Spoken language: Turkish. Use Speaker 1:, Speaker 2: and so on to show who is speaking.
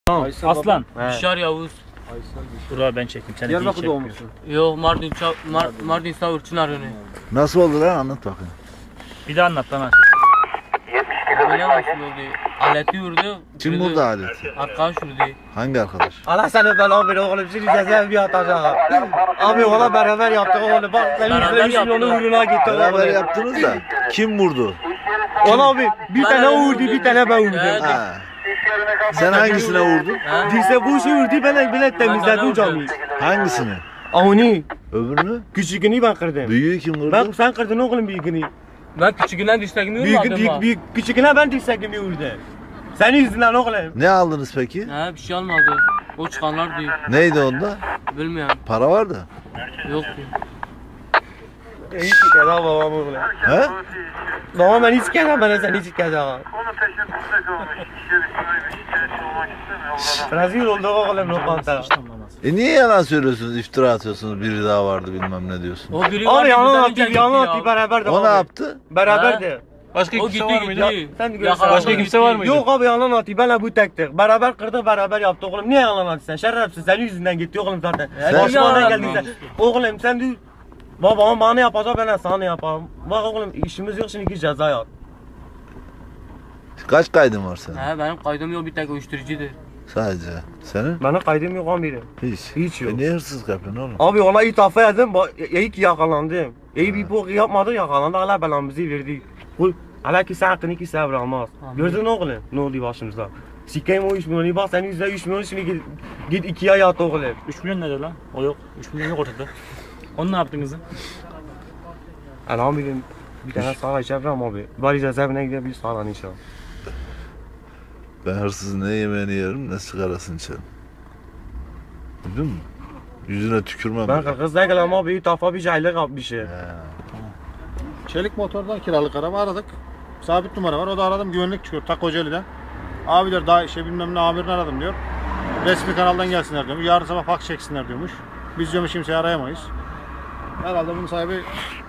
Speaker 1: Tamam.
Speaker 2: Aslan.
Speaker 3: Bişar Yavuz.
Speaker 2: Dur ben çekeyim. Seni
Speaker 1: Diyarbakır
Speaker 2: çekmiyor.
Speaker 1: doğmuşsun.
Speaker 3: Yo Mardin Savurçun arını.
Speaker 4: Nasıl oldu lan, anlat bakayım.
Speaker 2: Bir daha anlat bana.
Speaker 3: Böyle nasıl oldu? Aleti vurdu.
Speaker 4: Kim vurdu aleti?
Speaker 3: Arkadaş vurdu.
Speaker 4: Hangi arkadaş?
Speaker 1: Allah seni belanı ver oğlum. Şimdi cezaevi atacağım. Abi ona beraber yaptık oğlum. Bak senin
Speaker 3: Beraber
Speaker 1: yüzüne 3 milyonu
Speaker 3: yaptık.
Speaker 1: uğruna gitti
Speaker 4: Beraber
Speaker 1: oğlum.
Speaker 4: yaptınız da kim vurdu?
Speaker 1: Ona abi bir tane o vurdu, bir tane ben vurdum.
Speaker 3: Evet.
Speaker 4: Ha. Sen hangisine vurdun?
Speaker 3: Ha?
Speaker 1: Dirse bu işi vurdu, ben bile temizledim camiyi.
Speaker 4: Hangisini?
Speaker 1: Onu,
Speaker 4: Öbürünü?
Speaker 1: küçüğünü ben kırdım.
Speaker 4: Büyüğü kim vurdu?
Speaker 1: Ben sen kırdın oğlum büyüğünü.
Speaker 3: Ben küçüğünden düştüğümü vurmadım.
Speaker 1: Küçüğüne ben dirsekimi vurdu. Senin yüzünden oğlum.
Speaker 4: Ne aldınız peki?
Speaker 3: Ha bir şey almadı. O çıkanlar diyor.
Speaker 4: Neydi onda?
Speaker 3: Bilmiyorum.
Speaker 4: Para vardı.
Speaker 3: Yok diyor.
Speaker 1: Hiç kere babam oğlum.
Speaker 4: He?
Speaker 1: Babam ben hiç kere ben sen hiç kere.
Speaker 5: Onun peşinde kalmış. İş yerinde şikayetçi olmak istemiyor.
Speaker 1: Rezil oldu oğlum lokanta.
Speaker 4: Niye yalan söylüyorsunuz, iftira atıyorsunuz, biri daha vardı bilmem ne diyorsunuz?
Speaker 3: O biri var.
Speaker 1: Abi
Speaker 3: bizden
Speaker 1: yalan
Speaker 3: önce
Speaker 1: attı,
Speaker 3: gitti
Speaker 1: yalan
Speaker 3: ya.
Speaker 1: attı beraber de.
Speaker 4: O ne yaptı?
Speaker 1: Beraberdi.
Speaker 2: Başka
Speaker 3: O
Speaker 2: kimse
Speaker 3: gitti
Speaker 2: var mıydı?
Speaker 3: gitti.
Speaker 1: Sen de
Speaker 3: Yakalandı,
Speaker 1: başka
Speaker 2: kimse
Speaker 3: gitti.
Speaker 2: var mıydı?
Speaker 1: Yok abi yalan attı, benle bu tektik. Beraber kırdık, beraber yaptık oğlum. Niye yalan attı sen? Şerefsiz, senin yüzünden gitti oğlum zaten.
Speaker 4: Sen-
Speaker 1: Başıma ne
Speaker 3: Yalan
Speaker 1: geldiyse.
Speaker 3: attı.
Speaker 1: Oğlum sen de babam bana yapacak, ben de sana yaparım. Bak oğlum işimiz yok şimdi, ceza yat.
Speaker 4: Kaç kaydın var senin?
Speaker 3: Ha benim kaydım yok, bir tek uyuşturucudur.
Speaker 4: Sadece. Senin?
Speaker 1: Benim kaydım yok amirim.
Speaker 4: Hiç.
Speaker 1: Hiç yok.
Speaker 4: Niye hırsızlık yapıyorsun oğlum?
Speaker 1: Abi ona itafa edin, iyi ki yakalandım. İyi bir bok yapmadı, yakalandı, Allah belamızı verdi. Hala ki sen hakkını ki sen bırakmaz. Gördün oğlum ne oldu başımızda? Sikeyim o 3 milyonu, bak senin yüzüne 3 milyon, şimdi git 2'ye yat oğlum.
Speaker 2: 3 milyon nedir lan? O yok. 3 milyon yok ortada. Onu ne yaptın kızım?
Speaker 1: Elhamdülillah bir tane sağla içerim abi. Bari cezaevine gidelim bir sağlan inşallah.
Speaker 4: Ben hırsızın ne yemeğini yerim ne sigarasını içerim. Duydun mu? Yüzüne tükürmem.
Speaker 1: Ben Kırgız'da gelem abi, itafa bir cahillik yapmışım.
Speaker 6: Çelik motordan kiralık araba aradık. Sabit numara var. O da aradım, güvenlik çıkıyor Ta Kocaeli'den. Abiler daha bilmem ne amirini aradım diyor. Resmi kanaldan gelsinler diyormuş. Yarın sabah fax çeksinler diyormuş. Biz diyormuş kimseyi arayamayız. Herhalde bunun sahibi